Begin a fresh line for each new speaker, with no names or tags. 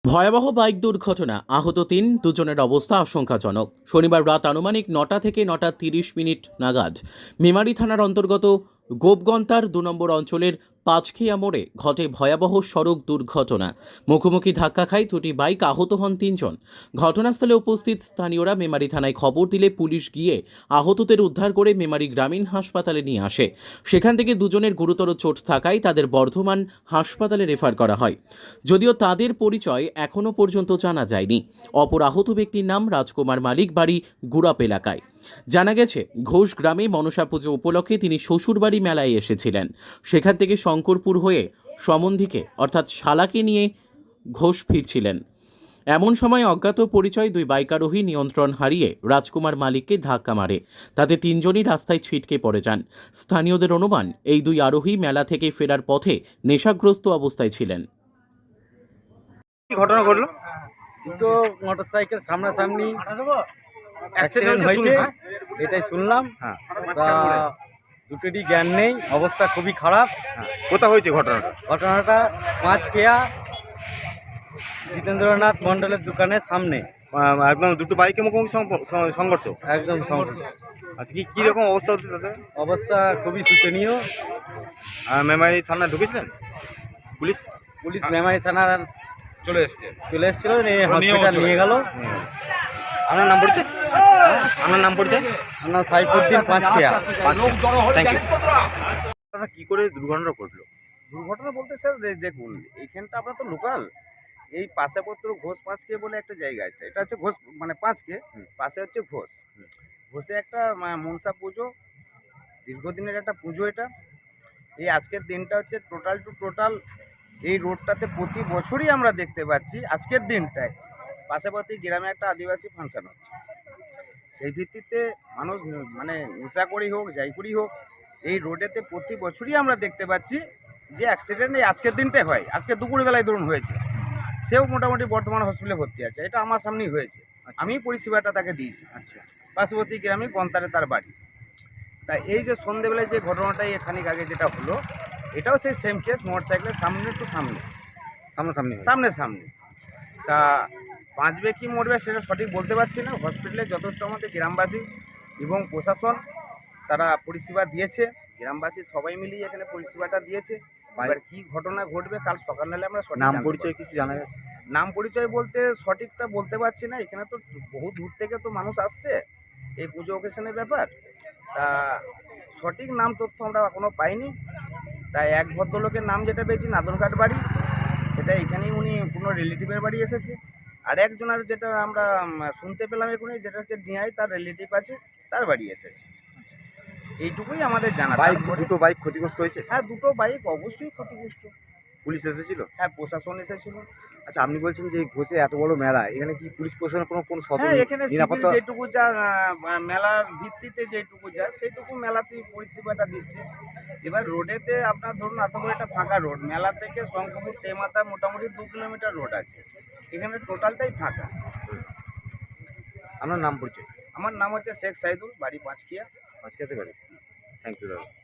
ভয়াবহ বাইক দুর্ঘটনা, আহত ৩, দুজনের অবস্থা আশঙ্কাজনক। শনিবার রাত আনুমানিক ৯টা থেকে ৯টা ৩০ নাগাদ মেমারি থানার অন্তর্গত গোপগন্তার ২ নম্বর অঞ্চলের পাঁচখিয়া মোড়ে ঘটে ভয়াবহ সড়ক দুর্ঘটনা। মুখোমুখি ধাক্কা খায় দুটি বাইক, আহত হন ৩ জন। ঘটনাস্থলে উপস্থিত স্থানীয়রা মেমারি থানায় খবর দিলে পুলিশ গিয়ে আহতদের উদ্ধার করে মেমারি গ্রামীণ হাসপাতালে নিয়ে আসে। সেখান থেকে দুজনের গুরুতর চোট থাকায় তাদের বর্ধমান হাসপাতালে রেফার করা হয়। যদিও তাদের পরিচয় এখনও পর্যন্ত জানা যায়নি। অপর আহত ব্যক্তির নাম রাজকুমার মালিক, বাড়ি গুড়াপ এলাকায়। জানা গেছে, ঘোষ গ্রামে মনসা পুজো উপলক্ষে তিনি শ্বশুরবাড়ি মেলায় এসেছিলেন। সেখান থেকে শঙ্করপুর হয়ে সম্বন্ধীকে অর্থাৎ শালাকে নিয়ে ঘোষ ফিরছিলেন। এমন সময় অজ্ঞাত পরিচয় দুই বাইকারোহী নিয়ন্ত্রণ হারিয়ে রাজকুমার মালিককে ধাক্কা মারে। তাতে ৩ জনই রাস্তায় ছিটকে পড়ে যান। স্থানীয়দের অনুমান, এই দুই আরোহী মেলা থেকে ফেরার পথে নেশাগ্রস্ত অবস্থায় ছিলেন।
কি ঘটনা ঘটলো?
দুটো মোটরসাইকেল সামনাসামনি অ্যাক্সিডেন্ট হয়েছে, এটাই শুনলাম।
হ্যাঁ,
তা দুটোরই জ্ঞান নেই, অবস্থা খুবই খারাপ।
কোথায় হয়েছে ঘটনাটা?
ঘটনাটা পাঁচখিয়া জিতেন্দ্রনাথ মণ্ডলের দোকানের সামনে।
একদম দুটো বাইকের মুখোমুখি সংঘর্ষ।
একদম সংঘর্ষ।
আচ্ছা, কি রকম অবস্থা হচ্ছে তাদের?
অবস্থা খুবই শোচনীয়।
মেমারি থানায় ঢুকেছিলেন? পুলিশ
পুলিশ মেমারি থানার
চলে এসেছিল,
হসপিটাল নিয়ে গেল।
আপনার নাম পরিচয়? আপনার নাম পরিচয়?
আমার নাম সাইফুদ্দিন, পাঁচখিয়া।
Thank you. দাদা, কি করে দুর্ঘটনা ঘটলো?
দুর্ঘটনা বলতে স্যার দেখুন, এইখানটা আপনার তো লোকাল, এই পাশেপত্র ঘোষ পাঁচকে বলে একটা জায়গা আছে। এটা হচ্ছে ঘোষ মানে পাঁচকে, পাশে হচ্ছে ঘোষ। ঘোষে একটা মনসা পুজো, দীর্ঘদিনের একটা পুজো। এটা এই আজকের দিনটা হচ্ছে টোটাল এই রোডটাতে প্রতি বছরই আমরা দেখতে পাচ্ছি আজকের দিনটায় পাশাপাশি গ্রামে একটা আদিবাসী ফাংশন হচ্ছে। সেই ভিত্তিতে মানুষ মানে নেশা করেই হোক যাই করেই হোক, এই রোডেতে প্রতি বছরই আমরা দেখতে পাচ্ছি যে অ্যাক্সিডেন্ট এই আজকের দিনটাই হয়। আজকে দুপুরবেলায় ধরুন হয়েছে, সেও মোটামুটি বর্তমান হসপিটালে ভর্তি আছে। এটা আমার সামনেই হয়েছে, আমি পরিষেবাটা তাকে দিয়েছি।
আচ্ছা,
পার্শ্ববর্তী গ্রামে গন্তারে তার বাড়ি। তা এই যে সন্ধ্যেবেলায় যে ঘটনাটাই খানিক আগে যেটা হলো, এটাও সেই সেম কেস, মোটরসাইকেলের সামনে টু সামনে। তা বাঁচবে কি মরবে সেটা সঠিক বলতে পারছি না। হসপিটালে যথেষ্ট আমাদের গ্রামবাসী এবং প্রশাসন তারা পরিষেবা দিয়েছে। গ্রামবাসী সবাই মিলিয়ে এখানে পরিষেবাটা দিয়েছে। এবার কী ঘটনা ঘটবে কাল সকাল হলে আমরা সঠিক
নাম পরিচয় কিছু জানা গেছে?
নাম পরিচয় বলতে সঠিকটা বলতে পারছি না। এখানে তো বহু দূর থেকে তো মানুষ আসছে এই পুজো অকেশনের ব্যাপার। তা সঠিক নাম তথ্য আমরা এখনও পাইনি। তাই এক ভদ্রলোকের নাম যেটা পেয়েছি নাদনঘাট বাড়ি, সেটা এখানেই উনি কোনো রিলেটিভের বাড়ি এসেছে। আর একজনের যেটা আমরা শুনতে পেলাম এখনই, যেটা হচ্ছে ডিআই, তার রিলেটিভ আছে, তার বাড়ি এসেছে। এইটুকুই আমাদের জানা।
দুটো বাইক ক্ষতিগ্রস্ত হয়েছে?
হ্যাঁ, দুটো বাইক অবশ্যই ক্ষতিগ্রস্ত।
পুলিশ এসেছিল?
হ্যাঁ, প্রশাসন এসেছিল।
আচ্ছা, আপনি বলছেন যে ঘোষে এত বড় মেলা, এখানে কি পুলিশ প্রশাসনের কোনো
হ্যাঁ, এখানে
নিরাপত্তা?
যেটুকু যা মেলার ভিত্তিতে যেটুকু যায় সেইটুকু মেলাতেই পরিষেবাটা দিচ্ছে। এবার রোডেতে আপনার ধরুন এত বড় একটা ফাঁকা রোড, মেলা থেকে শঙ্করপুর তেমাতা মোটামুটি 2 কিলোমিটার রোড আছে, এখানে টোটালটাই ফাঁকা।
আপনার নাম পরিচয়?
আমার নাম হচ্ছে শেখ সাইদুল, বাড়ি পাঁচখিয়া।
আজকে বাড়ি। থ্যাংক ইউ দাদা।